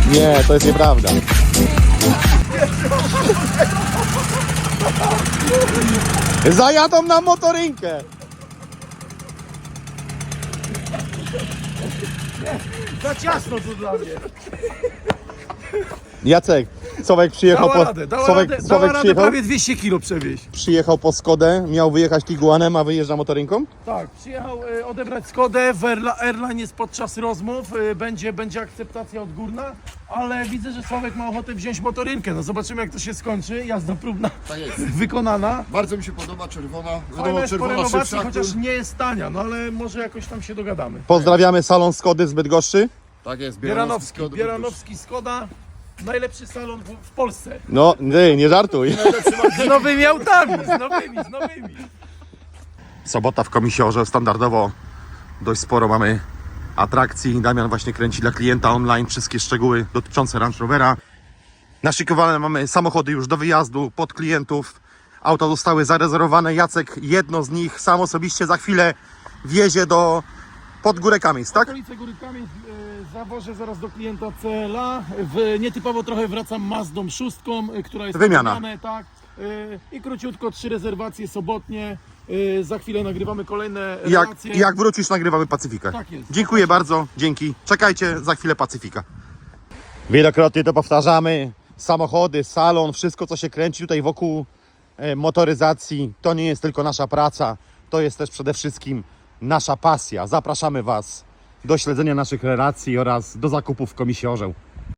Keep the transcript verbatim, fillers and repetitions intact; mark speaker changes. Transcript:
Speaker 1: Nie, to jest nieprawda. Zajadą na motorynkę.
Speaker 2: Za ciasno to dla mnie.
Speaker 1: Jacek, Sławek przyjechał
Speaker 2: Dała
Speaker 1: po...
Speaker 2: radę, dała
Speaker 1: Sławek,
Speaker 2: radę,
Speaker 1: Sławek
Speaker 2: dała radę
Speaker 1: przyjechał,
Speaker 2: prawie dwieście kilo przewieźć.
Speaker 1: przyjechał po Skodę, miał wyjechać Tiguanem, a wyjeżdża motorynką?
Speaker 2: Tak, przyjechał e, odebrać Skodę, w Airla- Airline jest podczas rozmów, e, będzie, będzie akceptacja odgórna, ale widzę, że Sławek ma ochotę wziąć motorynkę, no zobaczymy jak to się skończy, jazda próbna
Speaker 3: Tak jest.
Speaker 2: wykonana.
Speaker 3: Bardzo mi się podoba czerwona.
Speaker 2: Fajna
Speaker 3: Wiadomo,
Speaker 2: jest po
Speaker 3: czerwona
Speaker 2: renowacji,
Speaker 3: szybsza.
Speaker 2: chociaż nie jest tania, no ale może jakoś tam się dogadamy.
Speaker 1: Pozdrawiamy salon Skody z Bydgoszczy.
Speaker 3: Tak jest,
Speaker 2: Bieranowski,
Speaker 3: Skody,
Speaker 2: Bieranowski Skoda, najlepszy salon w, w Polsce.
Speaker 1: No, nie, nie żartuj.
Speaker 2: Z nowymi autami, z nowymi, z nowymi.
Speaker 1: Sobota w Komisiorze, standardowo dość sporo mamy atrakcji. Damian właśnie kręci dla klienta online wszystkie szczegóły dotyczące Range Rovera. Naszykowane mamy samochody już do wyjazdu pod klientów. Auta zostały zarezerwowane. Jacek jedno z nich sam osobiście za chwilę wiezie do pod Górę Kamiec, tak?
Speaker 2: Okolice Góry Kamień, e, zawożę zaraz do klienta C L A. W, nietypowo trochę wracam Mazdą szóstką, e, która jest
Speaker 1: Wymiana.
Speaker 2: wymiana, tak. E, I króciutko trzy rezerwacje sobotnie. E, za chwilę nagrywamy kolejne
Speaker 1: Jak,
Speaker 2: relacje.
Speaker 1: jak wrócisz, nagrywamy Pacyfikę.
Speaker 2: Tak jest.
Speaker 1: Dziękuję bardzo, dzięki. Czekajcie, za chwilę Pacyfika. Wielokrotnie to powtarzamy. Samochody, salon, wszystko co się kręci tutaj wokół e, motoryzacji, to nie jest tylko nasza praca, to jest też przede wszystkim nasza pasja. Zapraszamy Was do śledzenia naszych relacji oraz do zakupów w Komisji Orzeł.